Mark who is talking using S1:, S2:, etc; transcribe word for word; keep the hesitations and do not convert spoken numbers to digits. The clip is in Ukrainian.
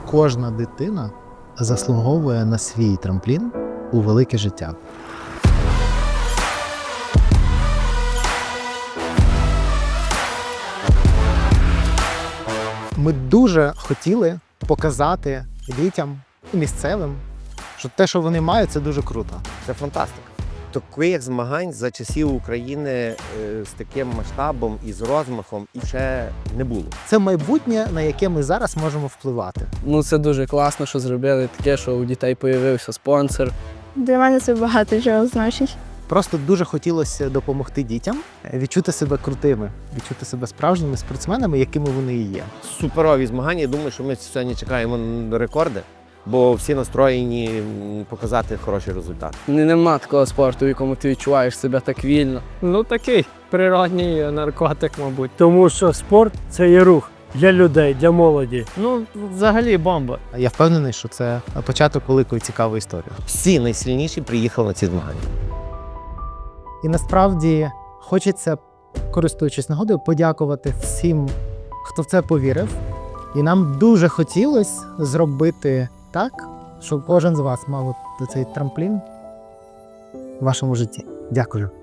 S1: Кожна дитина заслуговує на свій трамплін у велике життя. Ми дуже хотіли показати дітям і місцевим, що те, що вони мають, це дуже круто.
S2: Це фантастика. Таких змагань за часів України е, з таким масштабом і з розмахом і ще не було.
S1: Це майбутнє, на яке ми зараз можемо впливати.
S3: Ну, це дуже класно, що зробили таке, що у дітей з'явився спонсор.
S4: Для мене це багато чого значить.
S1: Просто дуже хотілося допомогти дітям відчути себе крутими, відчути себе справжніми спортсменами, якими вони і є.
S2: Суперові змагання. Я думаю, що ми сьогодні чекаємо на рекорди, бо всі настроєні м, показати хороший результат.
S3: Не- Нема такого спорту, в якому ти відчуваєш себе так вільно.
S5: Ну, такий природній наркотик, мабуть. Тому що спорт – це є рух для людей, для молоді. Ну, взагалі бомба.
S1: Я впевнений, що це початок великої цікавої історії.
S2: Всі найсильніші приїхали на ці змагання.
S1: І насправді хочеться, користуючись нагодою, подякувати всім, хто в це повірив. І нам дуже хотілося зробити так, щоб кожен з вас мав от цей трамплін в вашому житті. Дякую.